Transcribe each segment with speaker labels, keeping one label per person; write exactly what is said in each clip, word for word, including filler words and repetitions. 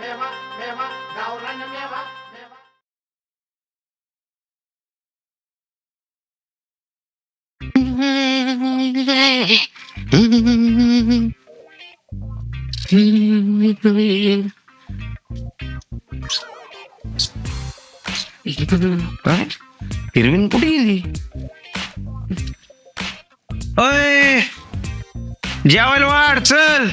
Speaker 1: मेवा मेवा गावरान मेवा मेवा.
Speaker 2: हिरवीन कुठे गेली? अय जेवायला वाढ चल.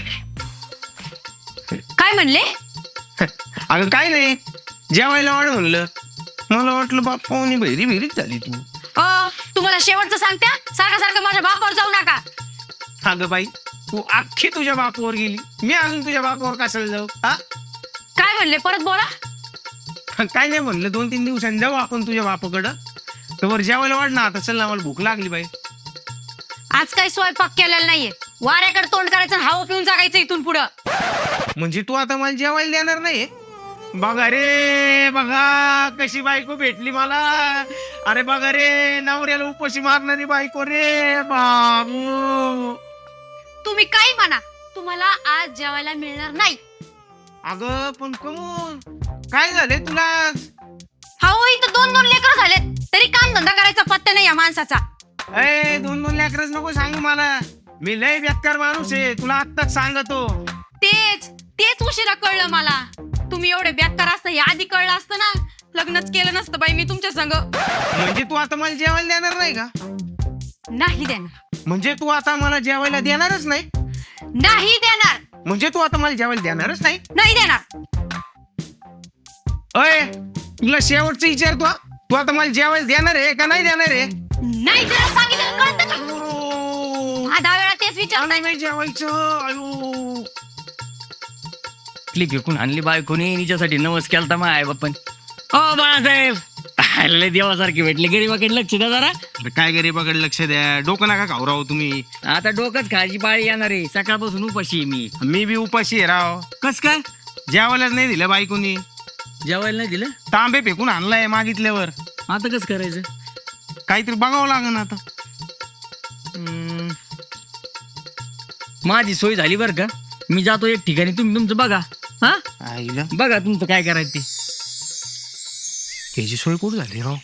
Speaker 3: काय म्हणले?
Speaker 2: अगं काय नाही, जेवायला वाढ म्हणलं. मला वाटलं बाप पाहुणी बहिरी बिरीच झाली तू.
Speaker 3: अ तुम्हाला शेवटचं सांगत्या, सारखं सारखं माझ्या बापावर जाऊ नका.
Speaker 2: अगं बाई, तू अख्खी तुझ्या बापावर गेली, मी अजून तुझ्या बापावर कशाला जाऊ? हा
Speaker 3: काय म्हणले परत बोला.
Speaker 2: काय नाही म्हणलं, दोन तीन दिवसांनी जाऊ आपण तुझ्या बापाकडं. तर वर जेवायला वाढ ना आता. चल ना, मला भूक लागली बाई.
Speaker 3: आज काही स्वयंपाक केलेला नाहीये. वाऱ्याकडे तोंड करायचं, हवा पिऊन जागायचं इथून पुढं.
Speaker 2: म्हणजे तू आता मला जेवायला देणार नाही? बघा रे बघा, कशी बायको भेटली मला. अरे बघा रे, नवऱ्याला उपाशी मारणारी बायको रे बाबू.
Speaker 3: तुम्ही काही म्हणा, तुम्हाला आज जेवायला मिळणार नाही.
Speaker 2: अगं पण कमून काय झाले तुला?
Speaker 3: हो, इथं दोन दोन लेकर झालेत, तरी काम धंदा करायचा पत्ता नाही या माणसाचा.
Speaker 2: अय दोन दोन लेकरच नको सांगू मला. मी लय बेकार माणूस आहे, तुला आत्ताच सांगतो.
Speaker 3: तेच तेच उशिरा कळलं मला. तुम्ही एवढे बेकार असतं हे आधी कळलं असतं ना, लग्नच केलं नसतं बाई मी तुमच्या संग.
Speaker 2: म्हणजे तू आता मला जेवायला देणार नाही का?
Speaker 3: नाही देणार.
Speaker 2: म्हणजे तू आता मला जेवायला देणारच नाही?
Speaker 3: नाही देणार.
Speaker 2: म्हणजे तू आता मला जेवायला देणारच नाही?
Speaker 3: नाही देणार.
Speaker 2: अय तुला शेवटचं विचारतो, तू आता मला जेवायला देणार आहे का नाही देणार आहे?
Speaker 3: नाही देणार सांगितलं कळतं का? हा दहा वेळा तेच विचार.
Speaker 2: नाही नाही जेवायचं. अयो
Speaker 4: क्लिप विकून आणली बायकोनी, हिच्यासाठी नवस केलता मा आई बाप्पन. ओ बाळासाहेब, लय देवासारखे भेटले, गरीबाकडे लक्ष द्या जरा.
Speaker 2: अरे काय गरीबाकडे लक्ष द्या, डोकं नका खाऊ राव तुम्ही.
Speaker 4: आता डोकंच खायची पाळी येणार आहे, सकाळपासून उपाशी आहे मी.
Speaker 2: मी बी उपाशी आहे राव.
Speaker 4: कस काय?
Speaker 2: जेवायलाच नाही दिलं बायकोनी.
Speaker 4: जेवायला नाही दिलं?
Speaker 2: तांबे फेकून आणलाय मागितल्यावर.
Speaker 4: आता कसं करायचं?
Speaker 2: काहीतरी बघावं लागेल आता.
Speaker 4: हम्म. माझी सोय झाली बरं का, मी जातो एक ठिकाणी, तुम्ही तुमचं बघा. हा
Speaker 2: आईला
Speaker 4: बघा तुमचं काय करायचं ते.
Speaker 2: त्याची सोय कुठं झाली राव?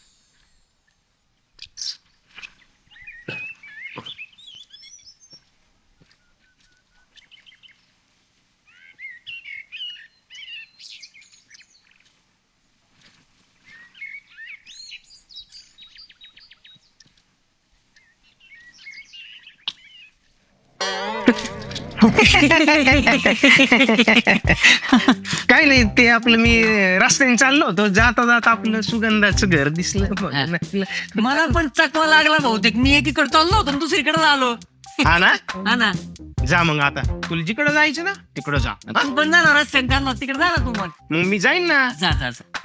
Speaker 2: काय नाही, ते आपलं मी रस्त्याने चाललो होतो, जाता जाता आपलं सुगंधाचं घर दिसलं. म्हणून आपलं-
Speaker 4: मला पण चकवा लागला बहुतेक, मी एकीकडे चाललो होतो आणि दुसरीकडे आलो.
Speaker 2: हा ना,
Speaker 4: हा ना.
Speaker 2: जा मग आता. तुला जिकडं जायचं ना तिकडं जा. हा?
Speaker 4: तू पण जाणार रस्त्याने चालला तिकडे जा ना तू पण.
Speaker 2: मग मी जाईन ना.
Speaker 4: जा जा जा.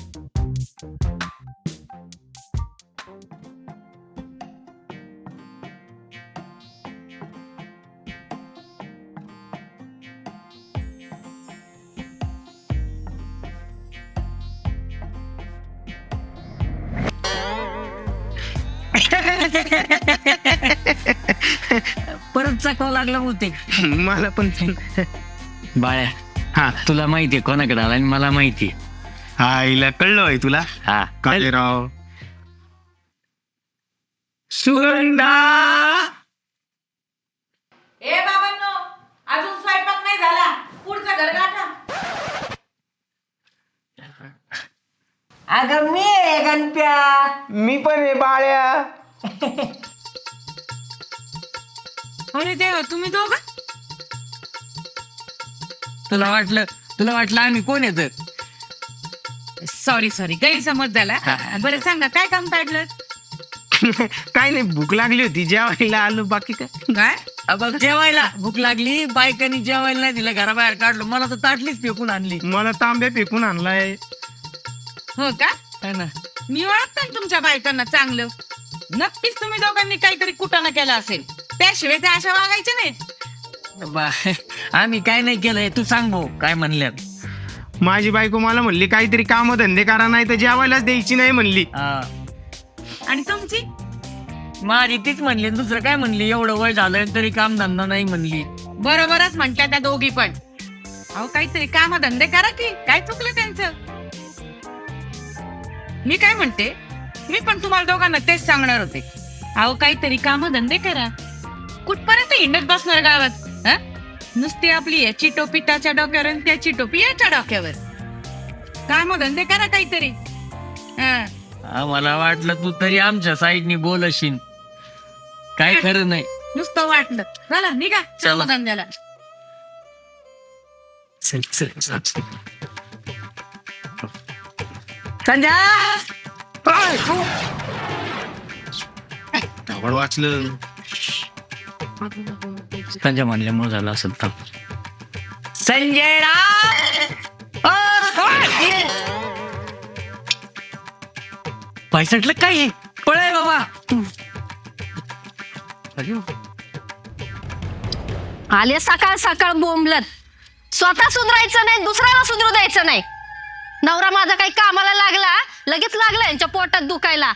Speaker 4: परत चकवा लागला बहुतेक.
Speaker 2: मला पण
Speaker 4: बाळ्या,
Speaker 2: हा
Speaker 4: तुला माहितीये कोणाकडे आला आणि मला माहिती.
Speaker 2: आईला कळलं आहे तुला.
Speaker 4: हा
Speaker 2: काय राव? सुगंधा.
Speaker 5: ए बाबांनो, अजून स्वयंपाक नाही झाला, पुढचं घर गाठा. अगं मी आहे गणप्या.
Speaker 2: मी पण आहे बाळ्या.
Speaker 4: अरे देवा, तुम्ही दोघं? तुला वाटलं तुला वाटलं आम्ही कोण येत?
Speaker 5: सॉरी सॉरी गैरसमज झाला. बरं सांगा काय काम काढलं?
Speaker 2: काय नाही, भूक लागली होती, जेवायला आलो. बाकी काय?
Speaker 5: काय
Speaker 4: बघ, जेवायला भूक लागली, बायकांनी जेवायला नाही दिलं, घराबाहेर काढलं, मला तर ताटलीच फेकून आणली.
Speaker 2: मला तांब्या फेकून आणलाय.
Speaker 5: हो का?
Speaker 4: है ना.
Speaker 5: मी ओळखते ना तुमच्या बायकांना चांगलं. नक्कीच तुम्ही दोघांनी काहीतरी कुटाणा केला असेल, त्याशिवाय त्या अशा वागायच्या नाहीत.
Speaker 4: बा- आम्ही काय नाही केलंय, तू सांग भाऊ काय म्हणल्यात.
Speaker 2: माझी बायको मला म्हणली काहीतरी काम धंदे करा, नाही तर जेवायलाच द्यायची नाही म्हणली.
Speaker 4: हा.
Speaker 5: आणि तुमची
Speaker 4: माझी तीच म्हणली, दुसरं काय म्हणली, एवढं वय झालं तरी काम धंदा नाही म्हणली.
Speaker 5: बरोबरच म्हणतात त्या दोघी पण. अहो काहीतरी काम धंदे करा की काय चुकलं त्यांचं. मी काय म्हणते, मी पण तुम्हाला दोघांना तेच सांगणार होते. अहो काहीतरी काम धंदे करा. कुठपर्यंत हिंडत बसणार गावात? हा? नुसती आपली याची टोपी त्याच्या डोक्यावर आणि त्याची टोपी याच्या डोक्यावर. काम धंदे करा काहीतरी. हा.
Speaker 4: आम्हाला वाटलं तू तरी आमच्या साईडनी बोलशील. काय खरं नाही.
Speaker 5: नुसतं वाटलं. चला निघा
Speaker 4: चला.
Speaker 5: धंद्याला.
Speaker 2: चल चल चल.
Speaker 5: संध्या
Speaker 2: आवड वाचलं.
Speaker 4: त्यांच्या म्हणल्यामुळे झालं असेल तर. संजय पैसटलं काय आहे? पळय बाबा.
Speaker 6: आले सकाळ सकाळ बोंबलत. स्वतः सुधरायचं नाही, दुसऱ्याला सुधरू द्यायचं नाही. नवरा माझा काही कामाला लागला, लगेच लागला यांच्या पोटात दुखायला.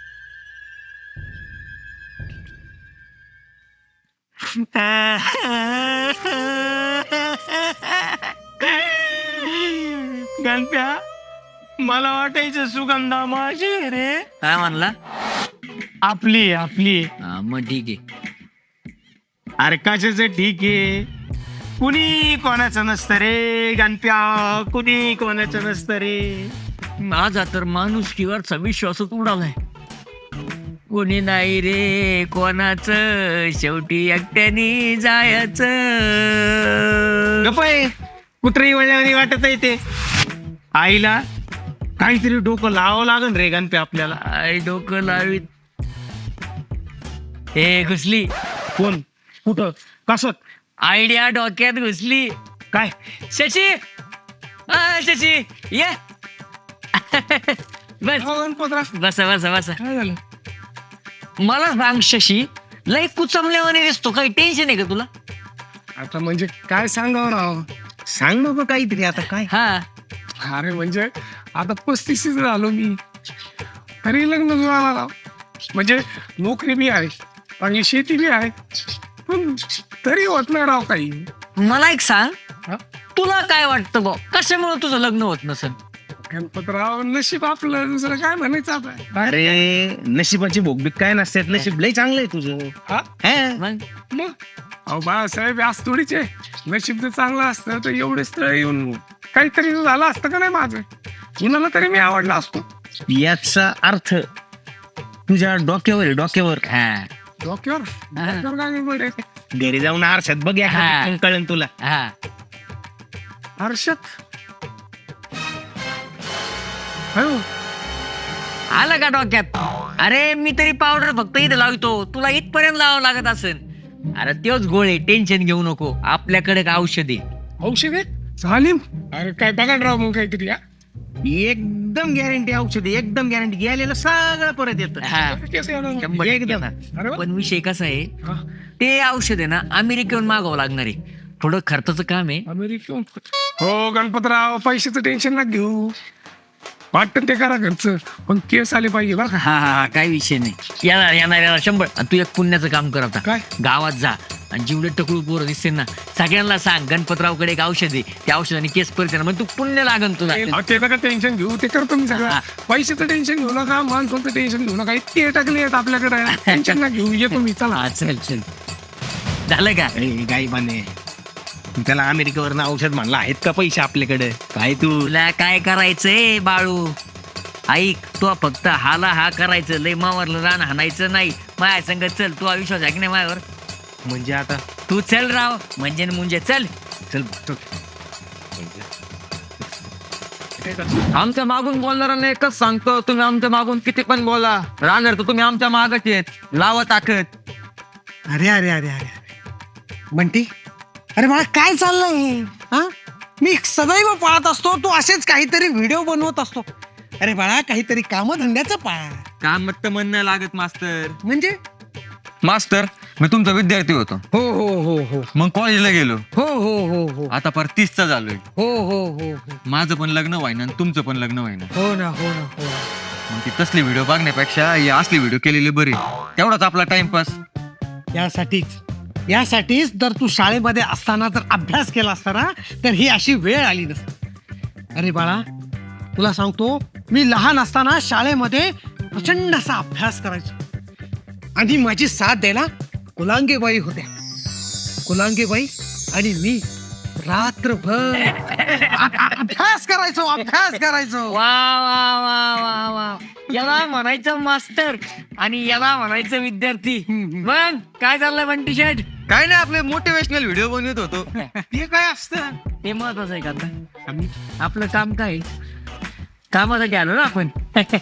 Speaker 2: गणप्या, मला वाटायचं सुगंधा माझी रे.
Speaker 4: काय म्हणला?
Speaker 2: आपली आपली.
Speaker 4: हा, मग ठीक आहे.
Speaker 2: अरे कशाचं ठीक आहे. कुणी कोणाचं नसतं रे गणप्या, कुणी कोणाचं नसतं रे.
Speaker 4: माझा तर माणुसकीवरचा विश्वासच उडालाय. कोणी नाही रे कोणाचं, शेवटी एकट्याने जायचं.
Speaker 2: गप्पा कुत्री वळल्याने वाटत आहे ते. आईला काहीतरी डोकं लावावं लागन रे गणप्या आपल्याला.
Speaker 4: आई डोकं लावीत. हे घुसली.
Speaker 2: कोण? कुठं? कसं?
Speaker 4: आयडिया डोक्यात घुसली.
Speaker 2: काय?
Speaker 4: शशी, अ, शशी ये. बस बसा बसा बसा.
Speaker 2: काय झालं?
Speaker 4: मला सांग शशी, लय कुचमल्यावाने दिसतो. काही टेन्शन आहे का तुला?
Speaker 1: आता म्हणजे काय सांगावं राव.
Speaker 2: सांग नको काहीतरी आता. काय?
Speaker 4: हा,
Speaker 1: अरे म्हणजे आता पस्तीस झालो मी, तरी लग्न जुळाला राव. म्हणजे नोकरी बी आहे आणि शेती बी आहे, पण तरी होत नाही राव काही.
Speaker 4: मला एक सांग,
Speaker 1: हा?
Speaker 4: तुला काय वाटतं बा, कशामुळे तुझं लग्न होत नसेल?
Speaker 1: गणपतराव नशीब आपलं, दुसरं काय म्हणायचं आता.
Speaker 2: अरे नशिबाची भोगबीक काय नसतात. नशीब लय चांगलं आहे तुझं.
Speaker 1: हा?
Speaker 2: हा?
Speaker 4: मग
Speaker 1: मग अहो बाळासाहेब आज थोडीचे नशीब जर चांगलं असतं तर एवढे स्थळ येऊन काहीतरी झालं असतं का नाही माझं. कुणाला तरी मी आवडला असतो.
Speaker 2: याचा अर्थ तुझ्या डोक्यावर आहे, डोक्यावर.
Speaker 4: हा
Speaker 1: डोक्यावर
Speaker 4: हा.
Speaker 1: डोक्यावर काय बरे.
Speaker 2: घरी जाऊन आरशात बघ या
Speaker 4: हा.
Speaker 2: कळन तुला.
Speaker 4: हा.
Speaker 1: हर्षद हो
Speaker 4: आलं का डोक्यात? अरे मी तरी पावडर फक्त इथं लावतो, तुला इथपर्यंत लावावं लागत असेल. अरे तोच गोळे, टेन्शन घेऊ नको. आपल्याकडे का औषध आहे.
Speaker 1: औषध आहे चालीम. अरे काय बघा राव मग काहीतरी. हा?
Speaker 2: एकदम गॅरंटी औषधी, एकदम गॅरंटी. गेलेलं सगळं परत येतं.
Speaker 4: हा,
Speaker 1: केस एवढं?
Speaker 4: शंभर टक्के
Speaker 2: एकदम.
Speaker 4: ना.
Speaker 1: अरे वा.
Speaker 4: पण विषय कसा आहे,
Speaker 1: हा.
Speaker 4: ते औषध आहे ना अमेरिकेहून मागावं लागणार आहे. थोडं खर्चाचं काम आहे.
Speaker 1: अमेरिकेहून. हो गणपतराव, पैशाचं टेन्शन ना घेऊ. वाटतं ते करा घरचं, पण केस आले पाहिजे बरं का.
Speaker 4: हा हा हा, काही विषय नाही. येणार येणार येणार शंभर. आणि तू एक पुण्याचं काम कर आता.
Speaker 1: काय?
Speaker 4: गावात जा आणि जेवढे टकळू पोरं दिसतील ना सगळ्यांना सांग गणपतरावकडे एक औषध आहे, त्या औषधाने केस परिचय मग तू पुण्य लागन तुला.
Speaker 1: अहो, ते नका टेन्शन घेऊ, ते करतो मी सगळं.
Speaker 4: हा.
Speaker 1: पैशाचं टेन्शन घेऊ नका, माणसाचं टेन्शन घेऊ नका. इतके टाकले आहेत आपल्याकडे, टेन्शन ना घेऊ. येतो मी, चला.
Speaker 4: हा चल चल. झालं का?
Speaker 2: ए, गाई बाने, त्याला अमेरिकेवरनं औषध म्हणलं. आहेत का पैसे आपल्याकडे? काय तू?
Speaker 4: तुला काय करायचंय बाळू? ऐक, तू फक्त हाला हा करायचं, लय मावरलं रान हाणायचं नाही. माझ्या संग चल. तू विश्वास आहे की नाही माझ्यावर?
Speaker 2: म्हणजे आता
Speaker 4: तू चल राव, म्हणजे न म्हणजे चल.
Speaker 2: चल चल.
Speaker 7: आमच्या मागून बोलणाऱ्यांना एकच सांगतो, तुम्ही आमच्या मागून किती पण बोला, राहणार तर तुम्ही आमच्या मागच येत. लावा ताकद.
Speaker 8: अरे अरे अरे अरे म्हणती, अरे मला काय चाललंय? हा, मी सदैव पाहत असतो तू असेच काहीतरी व्हिडिओ बनवत असतो. अरे बाळा, काहीतरी कामधंद्याचं पाळ.
Speaker 7: काम तर मन नाही लागत मास्तर.
Speaker 8: म्हणजे
Speaker 7: मास्तर, मी तुमचा विद्यार्थी होतो.
Speaker 8: हो हो हो हो
Speaker 7: मग कॉलेजला गेलो.
Speaker 8: हो हो हो हो
Speaker 7: आता पर तीसचा झालोय.
Speaker 8: हो हो हो हो
Speaker 7: माझं पण लग्न व्हायना आणि तुमचं पण लग्न व्हायना.
Speaker 8: हो ना हो ना हो.
Speaker 7: मग ती तसली व्हिडिओ बघण्यापेक्षा ही असली व्हिडिओ केलेली बरी. तेवढाच आपला टाइमपास.
Speaker 8: यासाठीच यासाठीच जर तू शाळेमध्ये असताना जर अभ्यास केला असता ना तर ही अशी वेळ आली नसती. अरे बाळा, तुला सांगतो, मी लहान असताना शाळेमध्ये प्रचंड असा अभ्यास करायचो आणि माझी साथ द्यायला कुलांगेबाई होत्या. कुलांगेबाई आणि मी रात्रभर अभ्यास करायचो अभ्यास करायचो
Speaker 4: वा वा वा वा वा याला म्हणायचं मास्टर आणि याला म्हणायचं विद्यार्थी. मग काय चाललंय बंटी शेठ?
Speaker 7: काय नाही, आपले मोटिवेशनल व्हिडिओ बनवत होतो.
Speaker 2: ते काय असतं?
Speaker 4: ते महत्वाचं आहे का आता? आपलं काम काय? कामासाठी आलो ना आपण.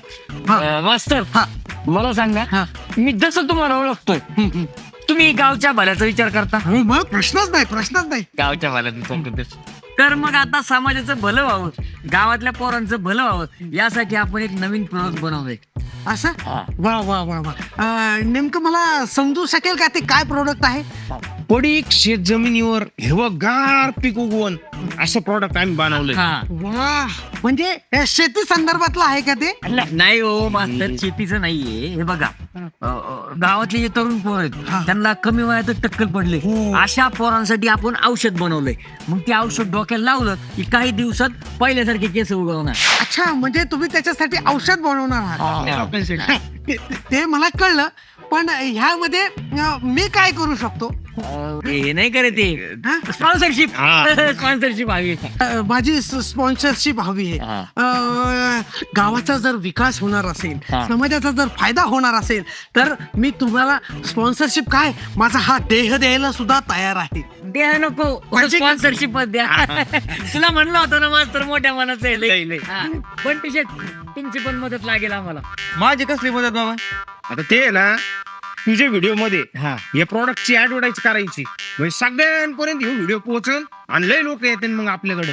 Speaker 4: अं, मास्तर, मला सांगा, मी जसं तुम्हाला ओळखतोय तुम्ही गावच्या भल्याचा विचार करता.
Speaker 8: हो, मग प्रश्नच नाही प्रश्नच नाही
Speaker 4: गावच्या भल्याचा विचार करतो. तर मग आता समाजाचं भलं व्हावं, गावातल्या पोरांचं भलं व्हावं, यासाठी आपण एक नवीन प्रोडक्ट बनवलंय.
Speaker 8: असं वा वा वा वा अं, नेमकं मला समजू शकेल का ते काय प्रोडक्ट आहे?
Speaker 2: पडीक शेत जमिनीवर हिरवगार पीक उगवण असं प्रॉडक्ट आम्ही बनवलंय.
Speaker 4: हा.
Speaker 8: वा, म्हणजे हे शेती संदर्भातलं आहे का ते?
Speaker 4: नाही हो मास्तर, शेतीचं नाहीये. हे बघा, अ, अ, गावातले जे तरुण पोर आहेत त्यांना कमी वयातच टक्कल पडले. अशा पोरांसाठी आपण औषध बनवलंय. मग ते औषध डोक्याला लावलं की काही दिवसात पहिल्यासारखे केस उगवणार.
Speaker 8: अच्छा, म्हणजे तुम्ही त्याच्यासाठी औषध बनवणार आहात. ते- ते मला कळलं, पण ह्यामध्ये अं, मी काय करू शकतो?
Speaker 4: हे नाही करे ते स्पॉन्सरशिप स्पॉन्सरशिप हवी.
Speaker 8: अं, माझी स्पॉन्सरशिप हवी आहे.
Speaker 4: हा.
Speaker 8: अं, गावाचा जर विकास होणार असेल,
Speaker 4: हा.
Speaker 8: समाजाचा जर फायदा होणार असेल तर मी तुम्हाला स्पॉन्सरशिप काय, माझा हा देह द्यायला सुद्धा तयार आहे.
Speaker 4: द्या नको,
Speaker 8: म्हणजे-
Speaker 4: स्पॉन्सरशिप द्या. तुला म्हणलं होतं ना मास्तर, मोठ्या मनाचं आहे
Speaker 2: लय,
Speaker 4: लय.
Speaker 2: लय.
Speaker 4: हा. पण टी शर्ट तुमची पण मदत लागेल आम्हाला.
Speaker 7: माझी कसली मदत बाबा?
Speaker 2: आता ते आहे ना, तुझ्या व्हिडिओ मध्ये या प्रॉडक्टची ऍडव्हर्टाईज करायची, म्हणजे सगळ्यांपर्यंत हे व्हिडिओ पोहोचल आणि लय लोक येतील मग आपल्याकडे.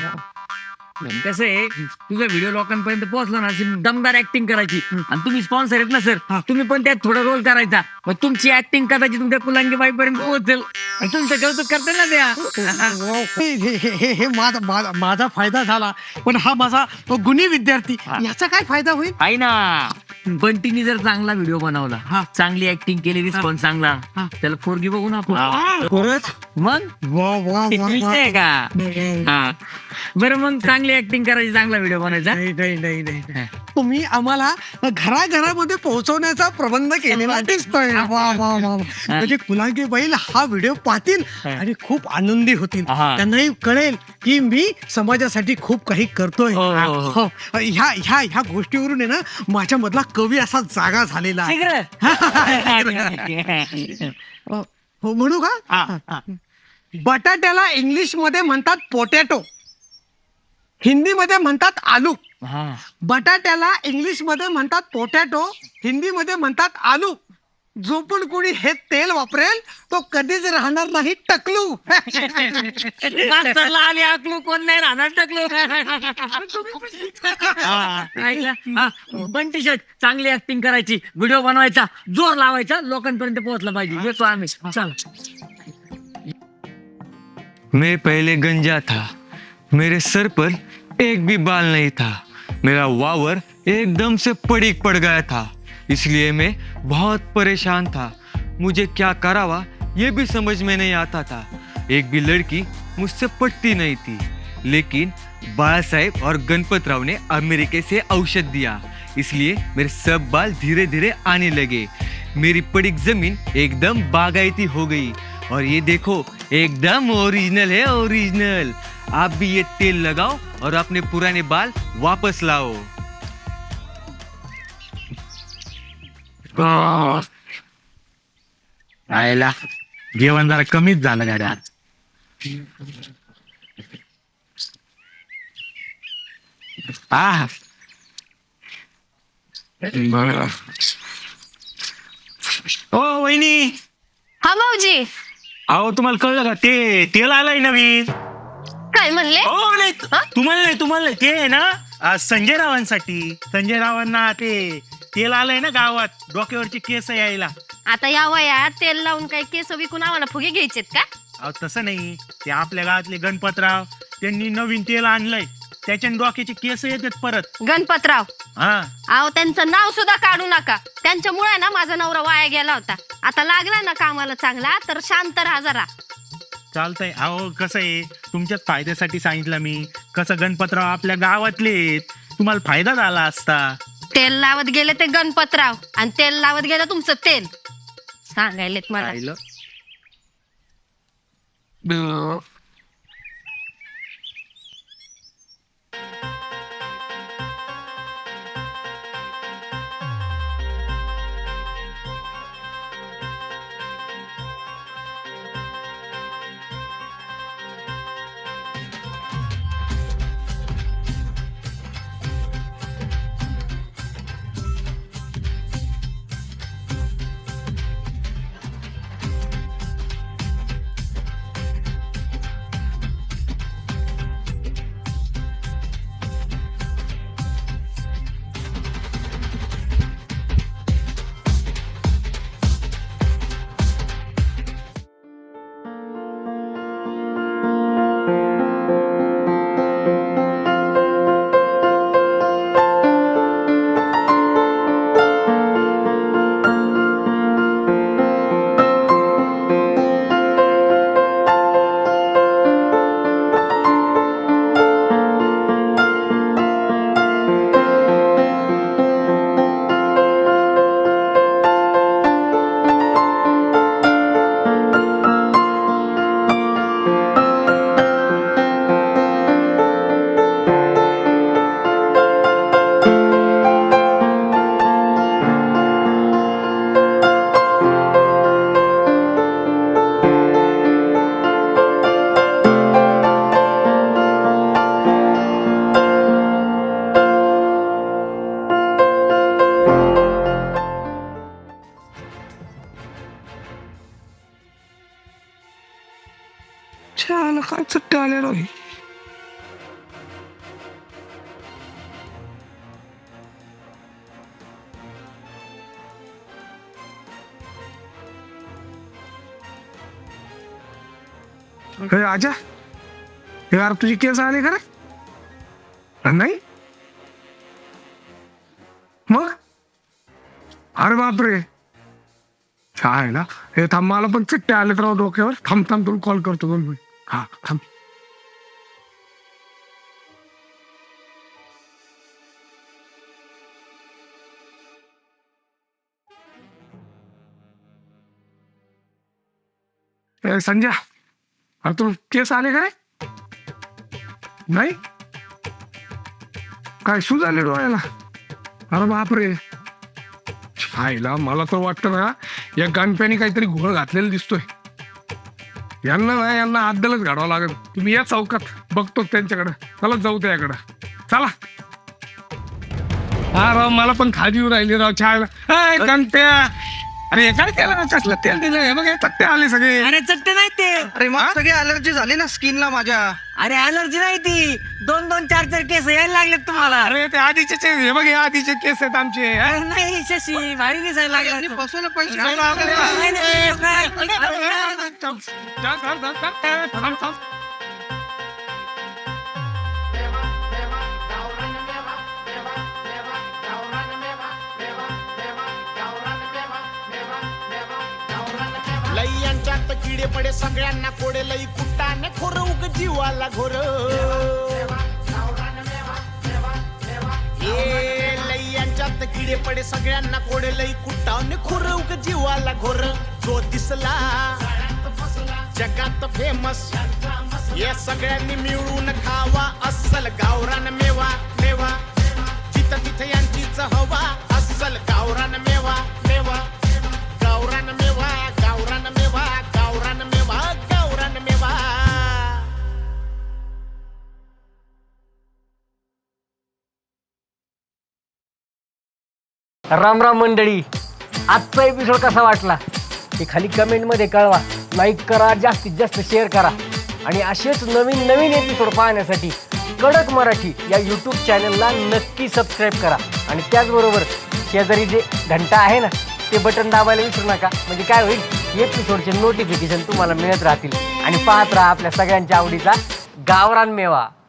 Speaker 4: कसं आहे, तुझा व्हिडिओ लोकांपर्यंत पोहोचला ना, अशी दमदार ऍक्टिंग करायची. आणि तुम्ही स्पॉन्सर आहेत ना सर, तुम्ही पण त्यात थोडा रोल करायचा. मग तुमची ऍक्टिंग कदाचित तुमच्या कुलांगी बाईपर्यंत पोहोचेल आणि तुमचं कौतुक करते ना त्या.
Speaker 8: हे हे- हे- हे- हे माझा माझा माझा फायदा झाला, पण हा माझा गुणी विद्यार्थी, याचा काय फायदा होईल?
Speaker 4: आहे ना, बंटीनी जर चांगला व्हिडिओ बनवला, चांगली ऍक्टिंग केली, रिस्पॉन्स चांगला, त्याला फोरगी बघू ना आपण.
Speaker 8: खरंच?
Speaker 4: मग
Speaker 8: वा वा वा
Speaker 4: विषय
Speaker 8: वा.
Speaker 4: आहे का? हा. बरं, मग चांगली ऍक्टिंग करायची, चांगला व्हिडिओ बनायचा.
Speaker 8: नाही नाही नाही नाही तुम्ही आम्हाला घराघरामध्ये पोहोचवण्याचा प्रबंध केलेला दिसतोय. वा वा वा वा. म्हणजे कुलांगी बैल हा व्हिडिओ पाहतील आणि खूप आनंदी होतील.
Speaker 4: हा.
Speaker 8: त्यांनाही कळेल की मी समाजासाठी खूप काही करतोय.
Speaker 4: हो, हो, हो.
Speaker 8: हो. ह्या ह्या ह्या गोष्टीवरून आहे ना, माझ्या मधला कवी असा जागा झालेला आहे.
Speaker 4: शीघ्र.
Speaker 8: हो, म्हणू का? बटाट्याला इंग्लिश मध्ये म्हणतात पोटॅटो, हिंदीमध्ये म्हणतात आलू.
Speaker 4: हा.
Speaker 8: बटाट्याला इंग्लिश मध्ये म्हणतात पोटॅटो, हिंदीमध्ये म्हणतात आलू. जो पण कोणी हे तेल वापरेल तो कधीच राहणार नाही टकलू.
Speaker 4: मास्तरला आली आकलू, कोण नाही राहणार टकलू. पण टी शर्ट चांगली ऍक्टिंग करायची, व्हिडिओ बनवायचा, जोर लावायचा, लोकांपर्यंत पोहोचला पाहिजे. येतो आम्ही. चल.
Speaker 9: मैं पहले गंजा था, मेरे सर पर एक भी बाल नहीं था, मेरा वावर एकदम से पड़ीक पड़ गया था, इसलिए मैं बहुत परेशान था. मुझे क्या करावा ये भी समझ में नहीं आता था. एक भी लड़की मुझसे पटती नहीं थी, लेकिन बाला साहेब और गणपत राव ने अमेरिका से औषध दिया, इसलिए मेरे सब बाल धीरे धीरे आने लगे. मेरी पड़ीक जमीन एकदम बागायती हो गई और ये देखो एकदम ओरिजिनल है, ओरिजिनल. आप भी ये तेल लगाओ और अपने पुराने बाल वापस लाओ.
Speaker 2: आयला जेवण जरा कमीच झालं गाड्या. आ बरं. ओ वहिनी,
Speaker 6: हा भाऊजी,
Speaker 2: अहो तुम्हाला कळलं का, ते तेल आलंय नवीन.
Speaker 6: काय म्हणले?
Speaker 2: हो नाही, तुम्हाला नाही, तुम्हाला नाही, ते आहे ना आ, संजय रावांसाठी. संजय रावांना ते तेल आलंय ना गावात, डोक्यावरचे केस यायला.
Speaker 6: आता या वयात तेल लावून काही केस विकून आम्हाला फुगे घ्यायचेत का?
Speaker 2: अहो तसं नाही, ते आपल्या गावातले गणपतराव त्यांनी नवीन तेल आणलंय, त्याच्याने डोक्याचे केस येतात परत.
Speaker 6: गणपतराव
Speaker 2: हा
Speaker 6: अहो त्यांचं नाव सुद्धा काढू नका. त्यांच्यामुळे ना माझा नवरा वाया गेला होता. आता लागला ना कामाला चांगला तर शांत राहा जरा.
Speaker 2: चालतंय. अहो कसं आहे, तुमच्याच फायद्यासाठी सांगितलं मी. कसं गणपतराव आपल्या गावातले आहेत, तुम्हाला फायदा झाला असता.
Speaker 6: तेल लावत गेले ते गणपतराव आणि तेल लावत गेलं तुमचं तेल. सांगायलेत मला.
Speaker 2: पाहिलं?
Speaker 1: अं, छान काय चट्टे आले राव हे. हे आजा, हे यार तुझी केस आले का रे? नाही मग? अरे बापरे, काय ना हे. थांब, मला पण चिट्टे आले तर डोक्यावर. थांब थांब तुला कॉल करतो दोन मिनिट. हा थांब. ए संजय, अरे तू केस आले का रे? नाही काय शू झाले डोळ्याला? अरे बापरे, हायला मला तर वाटतं ना या गणप्याने काहीतरी घोळ घातलेला दिसतोय. यांना ना यांना अद्दलच घाडावं लागेल. तुम्ही या चौकात, बघतो त्यांच्याकडे. चला जाऊ त्याकडे, चला. हा राव, मला पण खादी येऊ राहिली राव छायला. गणप्या, अरे काय केलं ना, कसलं तेल दिलं हे बघ, चट्टे आले सगळे.
Speaker 8: अरे चट्टे नाही ते.
Speaker 7: अरे मग सगळी अलर्जी झाली ना स्किनला माझ्या.
Speaker 8: अरे अलर्जी नाही ती, दोन दोन चार चार केस यायला लागलेत तुम्हाला.
Speaker 1: अरे ते आधीचे चे- हे बघ, हे आधीचे केस आहेत आमचे. हा?
Speaker 8: अरे नाही शशी, भारी दिसायला लागला.
Speaker 7: बसवलं पैसे.
Speaker 8: नाही, नाही, नाही, काय?
Speaker 1: थांब, थांब, थांब, थांब, थांब, थांब.
Speaker 10: लय्यांच्यात किडे पडे सगळ्यांना कोडे लई कुट्टाने खोर उग जीवाला घोर. ए लय्यांच्यात किडे पडे सगळ्यांना कोडे लई कुट्टाने खोर उग जीवाला घोर. जो दिसला जगात फेमस, या सगळ्यांनी मिळून खावा अस्सल गावरान मेवा. मेवा जिथं तिथं यांचीच हवा, अस्सल गावरान मेवा. मेवा गावरान मेवा, गावरान मेवा, गावरान मेवा, गावरान मेवा.
Speaker 4: राम राम मंडळी, आजचा एपिसोड कसा वाटला ते खाली कमेंटमध्ये कळवा. लाईक करा, जास्तीत जास्त शेअर करा आणि असेच नवीन नवीन एपिसोड पाहण्यासाठी कडक मराठी या यूट्यूब चॅनलला नक्की सबस्क्राईब करा. आणि त्याचबरोबर शेजारी जे घंटा आहे ना ते बटन दाबायला विसरू नका. म्हणजे काय होईल, एपिसोडचे नोटिफिकेशन तुम्हाला मिळत राहतील. आणि पाहत राहा आपल्या सगळ्यांच्या आवडीचा गावरान मेवा.